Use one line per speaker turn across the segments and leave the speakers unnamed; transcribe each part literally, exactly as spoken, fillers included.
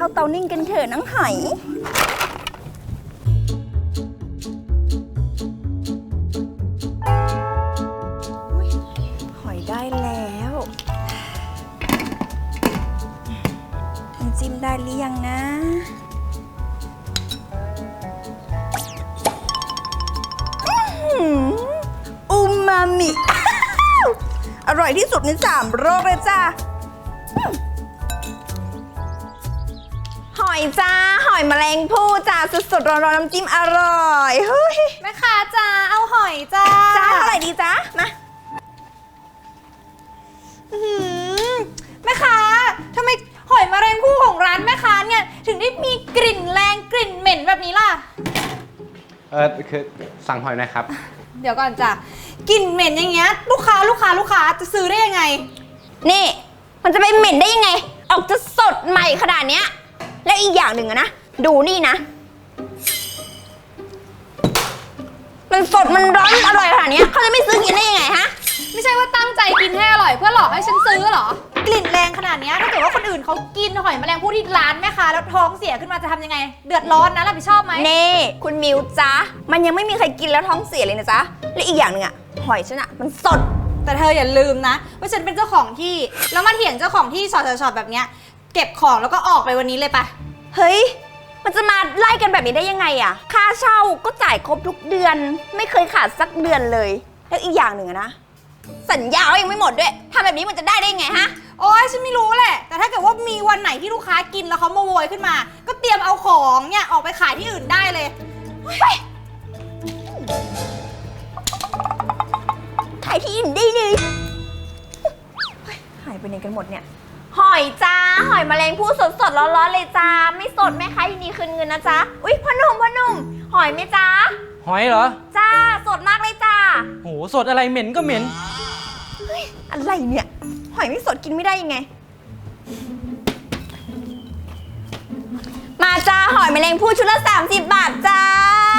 เข้าเตานิ่งกันเถอะน้องหอยหอยได้แล้วน้ำจิ้มได้หรือยังนะอูมามิ อร่อยที่สุดในสามโลกเลยจ้าหอยจ้าหอยแมลงภู่จ้าสดๆร้อนๆน้ำจิ้มอร่อยเฮ้ย
แม่ค้าจ้าเอาหอยจ้า
จ้าเท่าไหร่ดีจ้ามา
แม่ค้าทำไมหอยแมลงภู่ของร้านแม่ค้าเนี่ยถึงได้มีกลิ่นแรงกลิ่นเหม็นแบบนี้ล่ะ
เออคือสั่งหอยหน่อยครับ
เดี๋ยวก่อนจ้ะกลิ่นเหม็นอย่างเงี้ยลูกค้าลูกค้าลูกค้าจะซื้อได้ยังไง
นี่มันจะไปเหม็นได้ยังไงออกจะสดใหม่ขนาดเนี้ยแล้วอีกอย่างหนึ่งอะนะดูนี่นะมันสดมันร้อนอร่อยขนาดนี้เขาจะไม่ซื้อกินได้ยังไงฮะ
ไม่ใช่ว่าตั้งใจกินให้อร่อยเพื่อหลอกให้ฉันซื้อหรอกลิ่นแรงขนาดนี้ถ้าเกิดว่าคนอื่นเขากินหอยแมลงภู่ที่ร้านแม่ค้าแล้วท้องเสียขึ้นมาจะทำยังไงเดือดร้อนนะรับผิดชอบไหม
เน่คุณมิวจ้ามันยังไม่มีใครกินแล้วท้องเสียเลยนะจ๊ะและอีกอย่างหนึ่งอะหอยฉันอะมันสด
แต่เธออย่าลืมนะว่าฉันเป็นเจ้าของที่แล้วมาเถียงเจ้าของที่สอดๆแบบเนี้ยเก็บของแล้วก็ออกไปวันนี้เลยปะ
เฮ้ยมันจะมาไล่กันแบบนี้ได้ยังไงอะค่าเช่าก็จ่ายครบทุกเดือนไม่เคยขาดสักเดือนเลยแล้วอีกอย่างหนึ่งอะนะสัญญายังไม่หมดด้วยทำแบบนี้มันจะได้ได้ไงฮะ
โอ๊ยฉันไม่รู้แหละแต่ถ้าเกิดว่ามีวันไหนที่ลูกค้ากินแล้วเขามาโวยขึ้นมาก็เตรียมเอาของเนี่ยออกไปขายที่อื่นได้เลย
ขายที่อื่นได้เลยหายไปไหนกันหมดเนี่ยหอยจ้าหอยแมลงภู่สดสดร้อนๆเลยจ้าไม่สดแม่ค้ายินดีคืนเงินนะจ๊ะอุ๊ยพ่อหนุ่มพ่อหนุ่มหอยไหมจ้า
หอยเหรอ
จ้าสดมากเลยจ้า
โหสดอะไรเหม็นก็เหม็น
เฮ้ยอะไรเนี่ยหอยไม่สดกินไม่ได้ยังไงมาจ้าหอยแมลงภู่ชุดละสามสิบบาทจ้า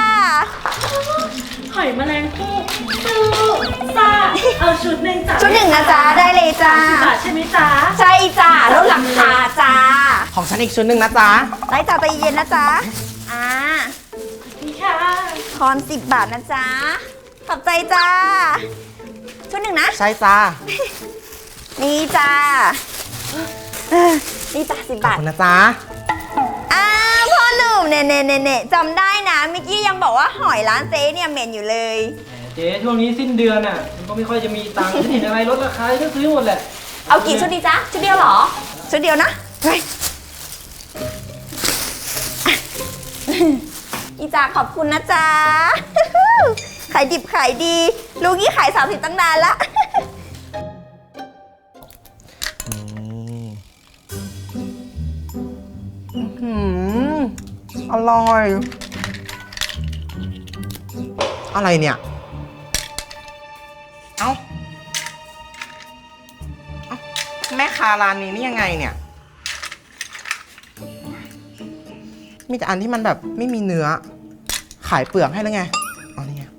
หอยแมลงภู่ซูซ่าเอาชุดหนึ่งจ้า
ชุดหนึ่งนะจ๊ะได้เลยจ้า
บาทใช่ไหมจ๊ะ
ใช่จ้าลดราคาจ้า
ของฉันอีกชุดหนึ่งนะจ๊ะ
ได้จ้าใจเย็นนะจ๊ะอ่า
นี่ค่ะ
ทอนสิบบาทนะจ๊ะขอบใจจ้าชุดหนึ่งนะ
ใช่จ้า
นี่จ้านี่จ้าสิบบาท
ขอบคุณนะจ๊ะ
อ้าพ่อหนุ่มเน่เน่เน่เน่จำได้นะเมื่อกี้ยังบอกว่าหอยร้านเจ๊เนี่ยเหม็นอยู่เลย
เจ๊ช่วงนี้สิ้นเดือนอ่ะมันก็ไม่ค่อยจะมีตังค์เห็นอะไรลดราคาก็ซื้อหมดแหละ
เอากี่ชุดดีจ๊ะชุดเดียวเหรอชุดเดียวนะไปอีจ้าขอบคุณนะจ๊ะขายดิบขายดีลูกนี่ขายสามสิบตั้งนานละ
อร่อยอะไรเนี่ยเอ้าเอ้าแม่ค้าร้านนี้นี่ยังไงเนี่ยมีแต่อันที่มันแบบไม่มีเนื้อขายเปลือกให้แล้วไงอ๋อนี่ไง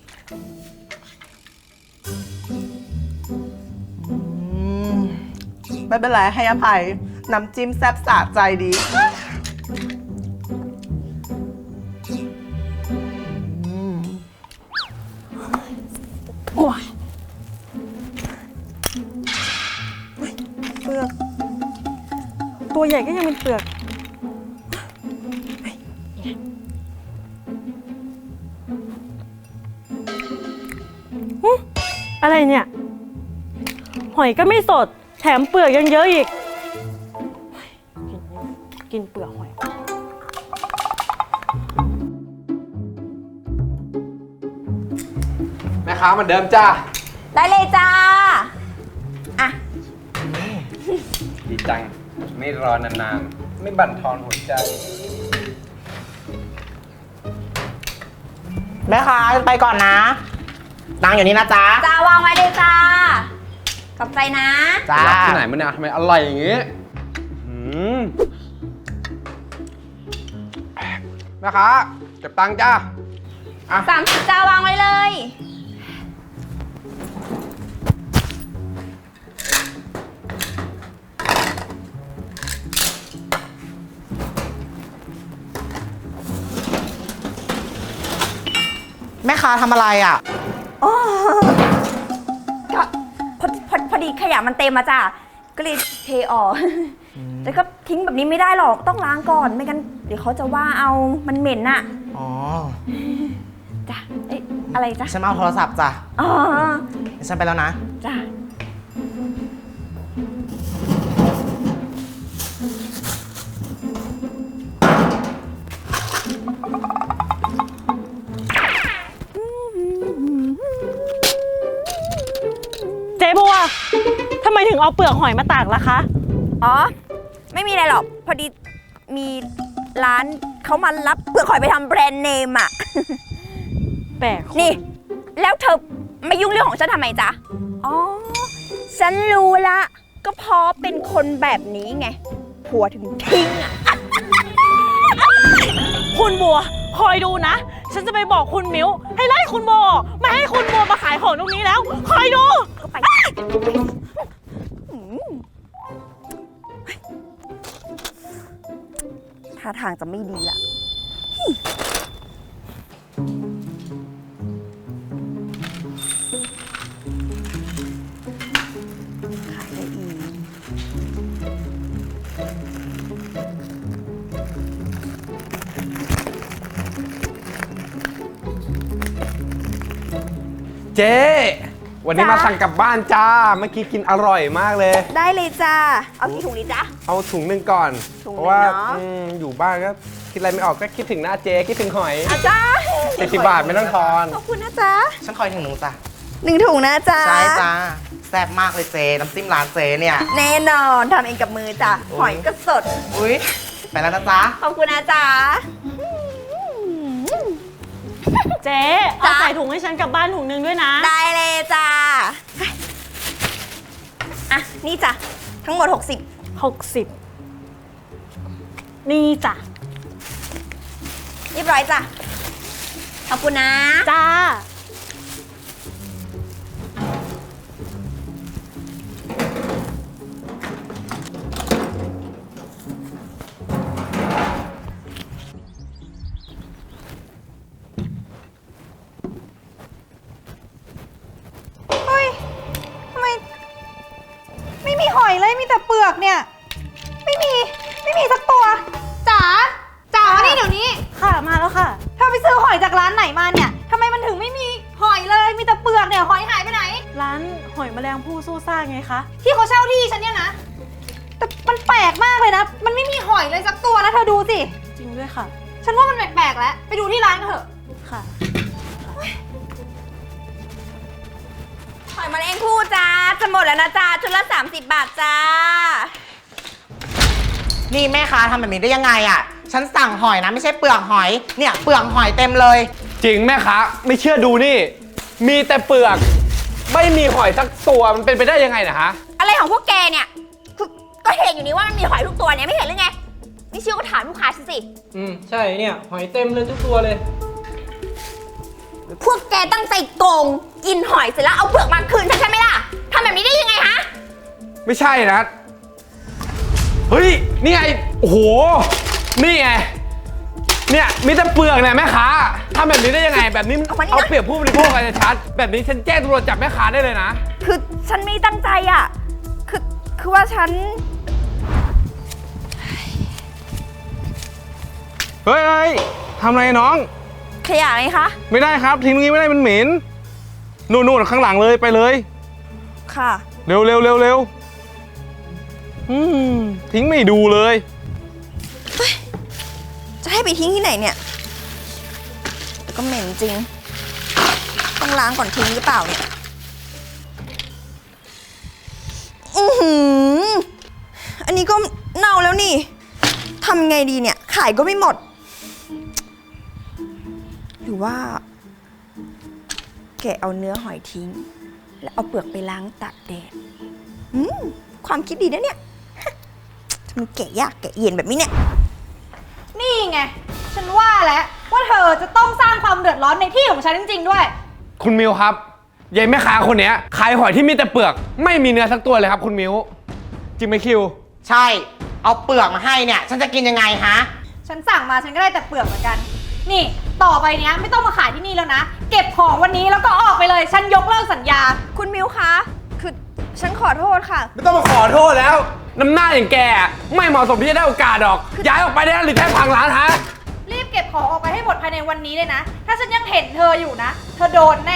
ไม่เป็นไรให้อภัยน้ำจิ้มแซ่บสะใจดีโอ้ยเปลือกตัวใหญ่ก็ยังเป็นเปลือกอะไรเนี่ยหอยก็ไม่สดแถมเปลือกยังเยอะอีกกินเปลือกหอย
แม่ค้าเหมือนเดิมจ้า
ได้เลยจ้าอ่ะ
ดีจังไม่รอนานๆไม่บั่นทอนหัวใจ
แม่ค้าไปก่อนนะตังอยู่นี่นะจ๊ะ
จ้าวางไว้เลยจ้าขอบใจนะ
จ้า
ที่ไหนมันเนี่ยทำไมอร่อยอย่างงี้แม่ค้าเก็บตังค์จ้า
สามสิบจ้าวางไว้เลย
ม่ค้าทำอะไรอ่ะ
อ๋อก็พอพอพอดีขยะมันเต็มมาจ้ะก็เลยเทออกแต่ก็ทิ้งแบบนี้ไม่ได้หรอกต้องล้างก่อนไม่งั้นเดี๋ยวเขาจะว่าเอามันเหม็นน่ะ
อ๋อ
จ้ะเอ๊ะอะไรจ้ะ
ฉันมาเอาโทรศัพท์จ้ะ
อ๋อ
เดี๋ยวฉันไปแล้วนะ
จ้ะ
เจ๊บัวทำไมถึงเอาเปลือกหอยมาตากล่ะคะ
อ๋อไม่มีอะไรหรอกพอดีมีร้านเขามารับเปลือกหอยไปทำแบรนด์เนมอ่ะ
แปลก
นี่ แล้วเธอมายุ่งเรื่องของฉันทำไมจ๊ะ อ๋อ ฉันรู้ละ ก็เพราะเป็นคนแบบนี้ไง ผัวถึงทิ้งอ่ะ
คุณบัวคอยดูนะ ฉันจะไปบอกคุณมิวให้ไล่คุณโบออกไม่ให้คุณบัวมาขายของตรงนี้แล้ว คอยดู
ก็ไปอืมท่าทางจะไม่ดีละขายได้อีก
เจ๊วันนี้
จ๊ะ
มาสั่งกลับบ้านจ้า เมื่อกี้กินอร่อยมากเลย
ได้เลยจ้า เอากี่ถุงดีจ๊ะ
เอาถุงหนึ่งก่อน
ถุงหนึ่ง
เพราะว่า
เนอะ
อืมอยู่บ้านก็คิดอะไรไม่ออกก็คิดถึงหน้าเจ๊คิดถึงหอย
อาจ้า
เจ็ดสิบบาทไม่ต้องทอน
ขอบคุณนะจ๊ะ
ฉันคอยถึงหนูจ้ะ
หนึ่งถุงนะจ๊ะ
ใช่จ้าแซ่บมากเลยเจน้ำจิ้มร้านเจเนี่ย
แน่นอนทำเองกับมือจ้ะ หอยก็สด
อุ้ยไปแล้วนะจ๊ะ
ขอบคุณนะจ๊ะ
เจ๊เอาใส่ถุงให้ฉันกลับบ้านถุงนึงด้วยนะ
ได้เลยจ้ะอ่ะ นี่จ้ะ ทั้งหมด หกสิบ
หกสิบ นี่จ้ะ
เรียบร้อยจ้ะ ขอบคุณนะ
จ้า
เฮ้ยทำไมไม่มีหอยเลยมีแต่เปลือกเนี่ย ไม่มีไม่มีสักตัวจ๋าจ๋านี่เดี๋ยวนี้
ค่ะมาแล้วค่ะ
เธอไปซื้อหอยจากร้านไหนมาเนี่ยทำไมมันถึงไม่มีหอยเลยมีแต่เปลือกเนี่ยหอยหายไปไหน
ร้านหอยแมลงภู่สู้ซ่าไงคะ
ที่เขาเช่าที่ฉันเนี่ยนะแต่มันแปลกมากเลยนะ มันไม่มีหอยเลยสักตัวนะเธอดูสิ
จริงด้วยค่ะ
ฉันว่ามันแปลกๆแล้วไปดูที่ร้านกันเถอะ
ค่ะ
หอยแมลงภู่จ้า จะหมดแล้วนะจ้าชุดละ สามสิบบาทจ้า
นี่แม่ค้าทำแบบนี้ได้ยังไงอ่ะ ฉันสั่งหอยนะไม่ใช่เปลือกหอย เนี่ยเปลือกหอยเต็มเลย
จริงแม่ค้าไม่เชื่อดูนี่ มีแต่เปลือก ไม่มีหอยสักตัวมันเป็นไปได้ยังไงนะฮะ
อะไรของพวกแกเนี่ย คือก็เห็นอยู่นี่ว่ามันมีหอยทุกตัวเนี่ยไม่เห็นหรือไง นี่เชื่อก็ถามลูกค้าฉันสิ
อืม ใช่เนี่ย หอยเต็มเลยทุกตัวเลย
พวกแกตั้งใจโกง กินหอยเสร็จแล้วเอาเปลือกมาคืนฉันใช่ไหมล่ะทำแบบนี้ได้ยังไงฮะ
ไม่ใช่นะ เฮ้ย นี่ไง โอ้โห นี่ไง เนี่ยมีแต่เปลือกเนี่ยแม่ค้าทำแบบนี้ได้ยังไง แบบนี้มัน
เอามานี่นะ
เอาเปรียบผู้บริโภคกันชัดแบบนี้ฉันแจ้งตำรวจจับแม่ค้าได้เลยนะ
คือฉันไม่ตั้งใจอ่ะ คือ คือว่าฉัน
เฮ้ยเฮ้ยทำอะไรน้อง
ขยะไงคะ
ไม่ได้ครับ ทิ้งตรงนี้ไม่ได้มันเหม็น นู่นนู่นข้างหลังเลยไปเลย
ค่ะ
เร็วเร็วเร็วเร็วอืมทิ้งไม่ดูเลย
จะให้ไปทิ้งที่ไหนเนี่ยแต่ก็เหม็นจริง ต้องล้างก่อนทิ้งหรือเปล่าเนี่ย อือหือ อันนี้ก็เน่าแล้วนี่ ทำไงดีเนี่ย ขายก็ไม่หมด หรือว่า แกะเอาเนื้อหอยทิ้ง แล้วเอาเปลือกไปล้างตากแดด อืม ความคิดดีนะเนี่ย ทำไมแกะยากแกะเย็นแบบนี้เนี่ย
นี่ไง ฉันว่าแล้วว่าเธอจะต้องสร้างความเดือดร้อนในที่ของฉันจริงๆด้วย
คุณมิวครับยายแม่ค้าคนเนี้ยขายหอยที่มีแต่เปลือก ไม่มีเนื้อสักตัวเลยครับคุณมิวจริงไหมคิว
ใช่ เอาเปลือกมาให้เนี่ย ฉันจะกินยังไงฮะ
ฉันสั่งมาฉันก็ได้แต่เปลือกเหมือนกัน นี่ต่อไปเนี้ยไม่ต้องมาขายที่นี่แล้วนะ เก็บของวันนี้แล้วก็ออกไปเลย ฉันยกเลิกสัญญา
คุณมิวคะ คือฉันขอโทษค่ะ
ไม่ต้องมาขอโทษแล้ว น้ำหน้าอย่างแกไม่เหมาะสมที่จะได้โอกาสหรอก ย้ายออกไปได้แล้วหรือแค่พังร้านฮะ
รีบเก็บของออกไปให้หมดภายในวันนี้เลยนะ ถ้าฉันยังเห็นเธออยู่นะ เธอโดนแน่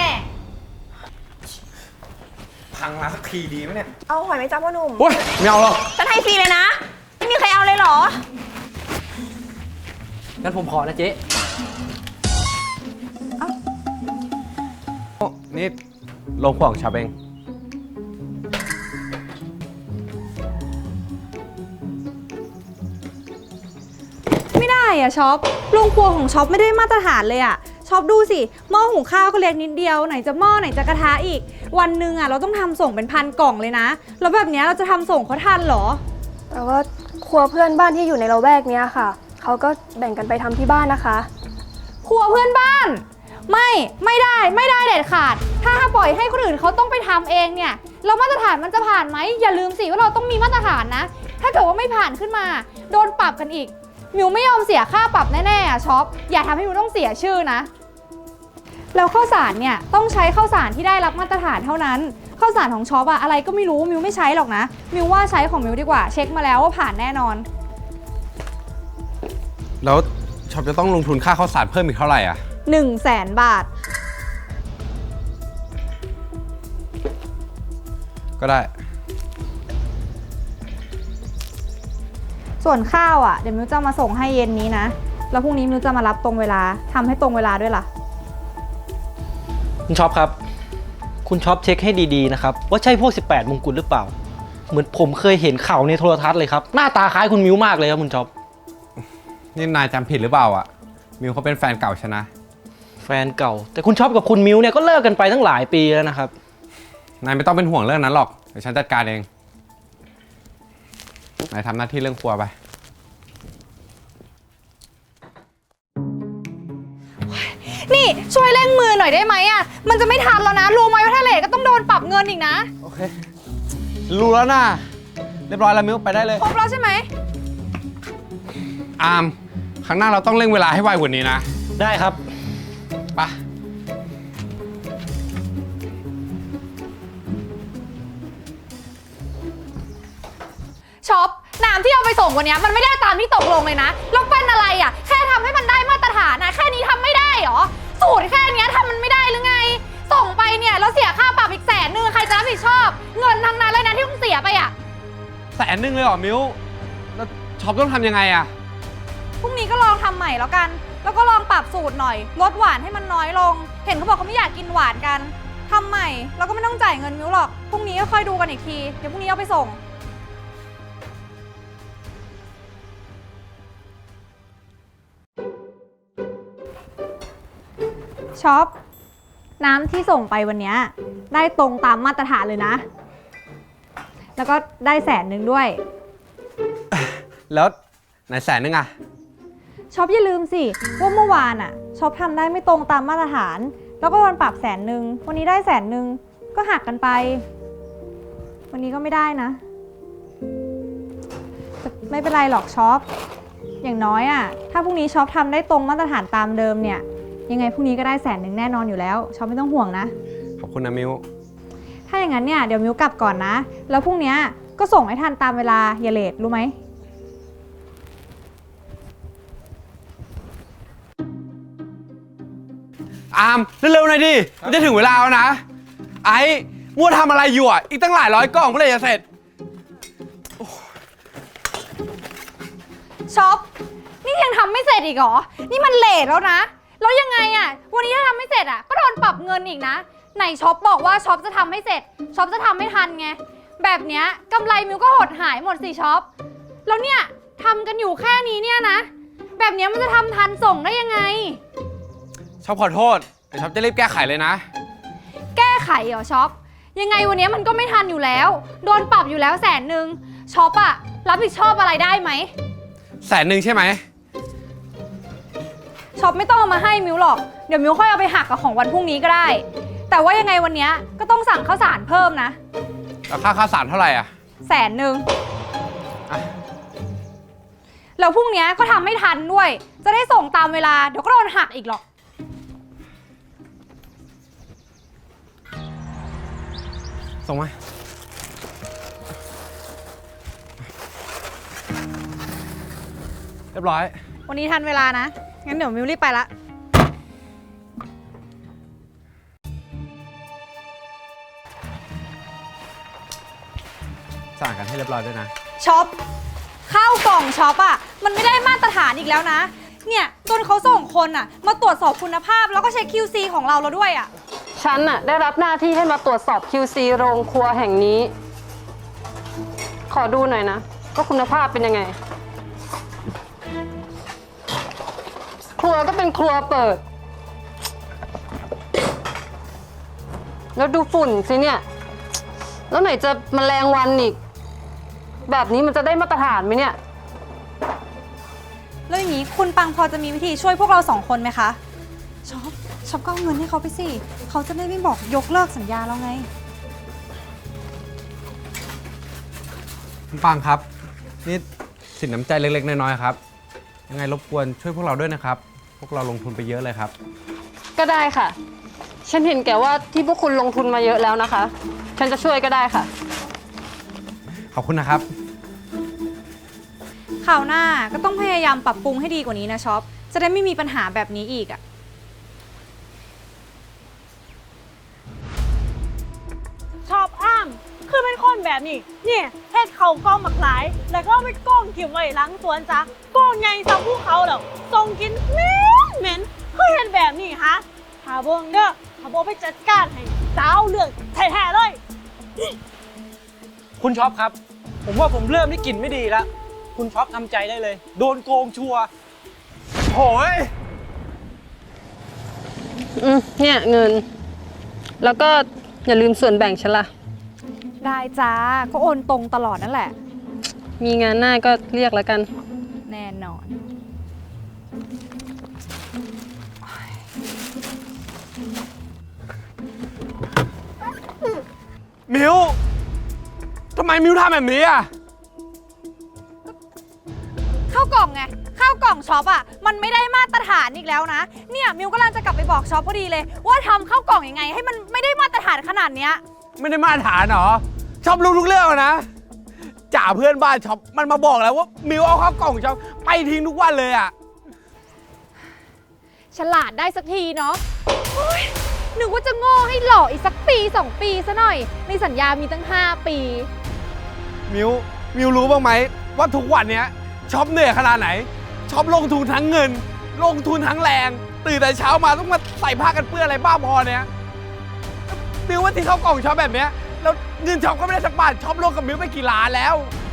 พังร้านสักทีดีไหมเนี่ย
เอาหอยไหมจ๊ะพ่อหนุ่ม
โอ้ยไม่เอาหรอก
ฉันให้ฟรีเลยนะ ไม่มีใครเอาเลยเหรอ
งั้นผมขอนะเจ๊
นี่ลงขวของชาเอง
ไม่ได้อะช็อปโรงครัวของช็อปไม่ได้มาตรฐานเลยอะช็อปดูสิหม้อหุงข้าวก็เล็กนิดเดียวไหนจะหม้อไหนจะกระทะอีก วันหนึ่งอะเราต้องทำส่งเป็นพันกล่องเลยนะแล้วแบบเนี้ยเราจะทำส่งเขาทันเหรอ
แต่ว่าครัวเพื่อนบ้านที่อยู่ในละแวกเนี้ยค่ะ เขาก็แบ่งกันไปทำที่บ้านนะคะ
ครัวเพื่อนบ้าน ไม่ไม่ได้ไม่ได้เด็ดขาด ถ้าปล่อยให้คนอื่นเขาต้องไปทำเองเนี่ยเรามาตรฐานมันจะผ่านไหมอย่าลืมสิว่าเราต้องมีมาตรฐานนะ ถ้าเกิดว่าไม่ผ่านขึ้นมาโดนปรับกันอีกมิวไม่ยอมเสียค่าปรับแน่ๆอะช็อปอย่าทำให้มิวต้องเสียชื่อนะแล้วข้าวสารเนี่ยต้องใช้ข้าวสารที่ได้รับมาตรฐานเท่านั้นข้าวสารของช็อปอะอะไรก็ไม่รู้มิวไม่ใช้หรอกนะมิวว่าใช้ของมิวดีกว่าเช็คมาแล้วว่าผ่านแน่นอน
แล้วช็อปจะต้องลงทุนค่าข้าวสารเพิ่มอีกเท่าไหร่อ่ะ
หนึ่งแสนบาท
ก็ได้
ส่วนข้าวอ่ะเดี๋ยวมิวจะมาส่งให้เย็นนี้นะแล้วพรุ่งนี้มิวจะมารับตรงเวลาทำให้ตรงเวลาด้วยล่ะ
คุณช็อปครับ คุณช็อปเช็คให้ดีๆนะครับ ว่าใช่พวก สิบแปด มงกุฎหรือเปล่า เหมือนผมเคยเห็นข่าวในโทรทัศน์เลยครับ หน้าตาคล้ายคุณมิวมากเลยครับคุณช็อป
นี่นายจำผิดหรือเปล่าอ่ะ มิวเขาเป็นแฟนเก่าฉันนะ
แฟนเก่า แต่คุณช็อปกับคุณมิวเนี่ยก็เลิกกันไปตั้งหลายปีแล้วนะครับ
นายไม่ต้องเป็นห่วงเรื่องนั้นหรอก เดี๋ยวฉันจัดการเอง นายทำหน้าที่เรื่องครัวไป
นี่ช่วยเร่งมือหน่อยได้ไหมอ่ะมันจะไม่ทันแล้วนะรู้ไหมว่าถ้าเลทก็ต้องโดนปรับเงินอีกนะ
โอเค รู้แล้วนะเรียบร้อยแล้วมิวไปได้เลย
ครบแล้วใช่ไหม
อาม ครั้งหน้าเราต้องเร่งเวลาให้ไวกว่านี้นะ
ได้ครับ
ไป
ช็อปน้ำที่เอาไปส่งวันนี้มันไม่ได้ตามที่ตกลงเลยนะแล้วเป็นอะไรอ่ะแค่ทำให้มันได้มาตรฐานนะแค่นี้ทำไม่ได้เหรอสูตรแค่นี้ทำมันไม่ได้หรือไง ส่งไปเนี่ยแล้วเสียค่าปรับอีกแสนนึงใครจะรับผิดชอบ เงินทั้งนั้นเลยนะที่ต้องเสียไปอ่ะ
แสนหนึ่งเลยเหรอมิวแล้วช็อปต้องทำยังไงอะ
พรุ่งนี้ก็ลองทำใหม่แล้วกัน แล้วก็ลองปรับสูตรหน่อยลดหวานให้มันน้อยลง เห็นเขาบอกเขาไม่อยากกินหวานกันทำใหม่แล้วก็ไม่ต้องจ่ายเงินมิ้วหรอกพรุ่งนี้ก็ค่อยดูกันอีกทีเดี๋ยวพรุ่งนี้เอาไปส่งช็อปน้ำที่ส่งไปวันนี้ได้ตรงตามมาตรฐานเลยนะ แล้วก็ได้แสนหนึ่งด้วย
แล้วไหนแสนนึงอะ
ช็อปอย่าลืมสิว่าเมื่อวานอะช็อปทำได้ไม่ตรงตามมาตรฐาน แล้วก็โดนปรับแสนหนึ่งวันนี้ได้แสนหนึ่งก็หักกันไป วันนี้ก็ไม่ได้นะแต่ไม่เป็นไรหรอกช็อปอย่างน้อยอะถ้าพรุ่งนี้ช็อปทำได้ตรงมาตรฐานตามเดิมเนี่ยยังไงพรุ่งนี้ก็ได้แสนหนึ่งแน่นอนอยู่แล้วช็อปไม่ต้องห่วงนะ
ขอบคุณนะมิว
ถ้าอย่างนั้นเนี่ยเดี๋ยวมิวกลับก่อนนะ แล้วพรุ่งนี้ก็ส่งให้ทันตามเวลาอย่าเลทรู้ไหม
อามเร็วๆหน่อยดิ มันจะถึงเวลาแล้วนะ ไอ้มัวทำอะไรอยู่อ่ะ อีกตั้งหลายร้อยกล่องเมื่อไหร่จะเสร็จ
ช็อปนี่ยังทำไม่เสร็จอีกเหรอ นี่มันเลทแล้วนะ แล้วยังไงอะวันนี้ถ้าทำไม่เสร็จอะก็โดนปรับเงินอีกนะ ไหนช็อปบอกว่าช็อปจะทำให้เสร็จ ช็อปจะทำไม่ทันไง แบบเนี้ยกำไรมิวก็หดหายหมดสิช็อป แล้วเนี่ยทำกันอยู่แค่นี้เนี่ยนะ แบบเนี้ยมันจะทำทันส่งได้ยังไง
ชอบขอโทษเดี๋ยวชอบจะรีบแก้ไขเลยนะ
แก้ไขเหรอช็อป ยังไงวันนี้มันก็ไม่ทันอยู่แล้ว โดนปรับอยู่แล้วแสนหนึ่งช็อปอะรับผิดชอบอะไรได้ไหม
แสนหนึ่งใช่ไหม
ช็อปไม่ต้องเอามาให้มิวหรอก เดี๋ยวมิวค่อยเอาไปหักกับของวันพรุ่งนี้ก็ได้ แต่ว่ายังไงวันนี้ก็ต้องสั่งข้าวสารเพิ่มนะ
แล้วค่าข้าวสารเท่าไหร่อ่ะ
แสนหนึ่ง
อ่ะ
แล้วพรุ่งนี้ก็ทำไม่ทันด้วย จะได้ส่งตามเวลาเดี๋ยวก็โดนหักอีกหรอก
ส่งมา เรียบร้อย
วันนี้ทันเวลานะ งั้นเดี๋ยวมิวรีบไปละ
สั่งกันให้เรียบร้อยด้วยนะ
ช็อปข้าวกล่องช็อปอะมันไม่ได้มาตรฐานอีกแล้วนะ เนี่ยจนเขาส่งคนอะมาตรวจสอบคุณภาพแล้วก็เช็ค คิว ซี ของเราแล้วด้วยอะ
ฉันน่ะได้รับหน้าที่ให้มาตรวจสอบ คิว ซี โรงครัวแห่งนี้ ขอดูหน่อยนะว่าคุณภาพเป็นยังไง ครัวก็เป็นครัวเปิด แล้วดูฝุ่นสิเนี่ย แล้วไหนจะแมลงวันอีก แบบนี้มันจะได้มาตรฐานไหมเนี่ย
แล้วอย่างนี้คุณปังพอจะมีวิธีช่วยพวกเราสองคนไหมคะช็อปช็อปก็เอาเงินให้เขาไปสิเขาจะได้ไม่บอกยกเลิกสัญญาเราไง
คุณปังครับ นี่สินน้ำใจเล็กๆน้อยๆครับ ยังไงรบกวนช่วยพวกเราด้วยนะครับ พวกเราลงทุนไปเยอะเลยครับ
ก็ได้ค่ะ ฉันเห็นแก่ว่าที่พวกคุณลงทุนมาเยอะแล้วนะคะ ฉันจะช่วยก็ได้ค่ะ
ขอบคุณนะครับ
คราวหน้าก็ต้องพยายามปรับปรุงให้ดีกว่านี้นะช็อป จะได้ไม่มีปัญหาแบบนี้อีกอะ
ชอบอ้ามคือเป็นคนแบบนี้เนี่ยเฮ็ดเขากล้องหมักหลาย แล้วก็เอาไปกล้องเก็บไว้หล้างสวนจ้ะกล้องใหญ่ซ้ำภูเขาแล้วส่งกินเหม็นเหม็นคือเห็นแบบนี้ฮะถ้าเบิ่งเด้อถ้าบ่ไปจัดการให้สาวเรื่องแท้ๆเลย
คุณช็อปครับ ผมว่าผมเริ่มได้กลิ่นไม่ดีแล้ว คุณช็อปทำใจได้เลย โดนโกงชัวร์
โอ้ย
อืมเนี่ยเงิน แล้วก็อย่าลืมส่วนแบ่งฉันล่ะ
ได้จ้า ก็โอนตรงตลอดนั่นแหละ
มีงานหน้าก็เรียกแล้วกัน
แน่นอน
มิวทำไมมิวทำแบบนี้อ่ะ
ข้าวกล่องไงข้าวกล่องช็อปอ่ะมันไม่ได้มาตรฐานอีกแล้วนะเนี่ยมิวกำลังจะกลับไปบอกช็อปพอดีเลย ว่าทำข้าวกล่องยังไง ให้มันไม่ได้มาตรฐานขนาดเนี้ย
ไม่ได้มาตรฐานเหรอ ชอบรู้ทุกเรื่องนะ จ่าเพื่อนบ้านช็อปมันมาบอกแล้วว่ามิวเอาข้าวกล่องช็อปไปทิ้งทุกวันเลยอ่ะ
ฉลาดได้สักทีเนาะโอ๊ยนึกว่าจะโง่ให้หล่ออีกสักปีสองปีซะหน่อยในสัญญามีตั้งห้าปี
มิวมิวรู้บ้างไหมว่าทุกวันเนี้ยช็อปเหนื่อยขนาดไหนช็อปลงทุนทั้งเงิน ลงทุนทั้งแรง ตื่นแต่เช้ามาต้องมาใส่ผ้ากันเปื้อนอะไรบ้าพอเนี้ยมิวว่าที่เขากล่องช็อปแบบเนี้ยแล้วเงินช็อปก็ไม่ได้สักบาทช็อปลงกับมิวไปกี่ล้านแล้ว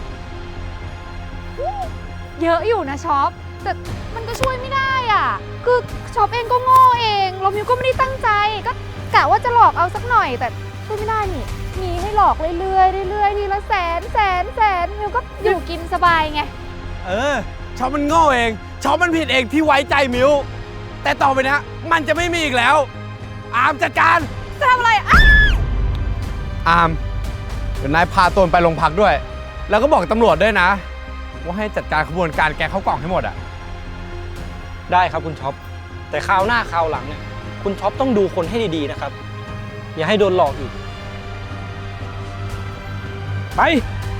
เยอะอยู่นะช็อปแต่มันก็ช่วยไม่ได้อ่ะคือช็อปเองก็โง่เองแล้วมิวก็ไม่ได้ตั้งใจก็กะว่าจะหลอกเอาสักหน่อยแต่ช่วยไม่ได้นี่มีให้หลอกเรื่อยๆเรื่อยๆทีละแสนแสนแสนมิวก็อยู่กินสบายไง
เออช็อปมันโง่เองช็อปมันผิดเองที่ไว้ใจมิวแต่ต่อไปเนี้ยมันจะไม่มีอีกแล้ว อามจัดการ
จะทำอะไรอ้าว
อามเดี๋ยวนายพาตนไปโรงพักด้วย แล้วก็บอกตำรวจด้วยนะ ว่าให้จัดการขบวนการแกงข้าวกล่องให้หมดอ่ะ
ได้ครับคุณช็อป แต่คราวหน้าคราวหลังเนี่ย คุณช็อปต้องดูคนให้ดีๆนะครับ อย่าให้โดนหลอกอีก ไป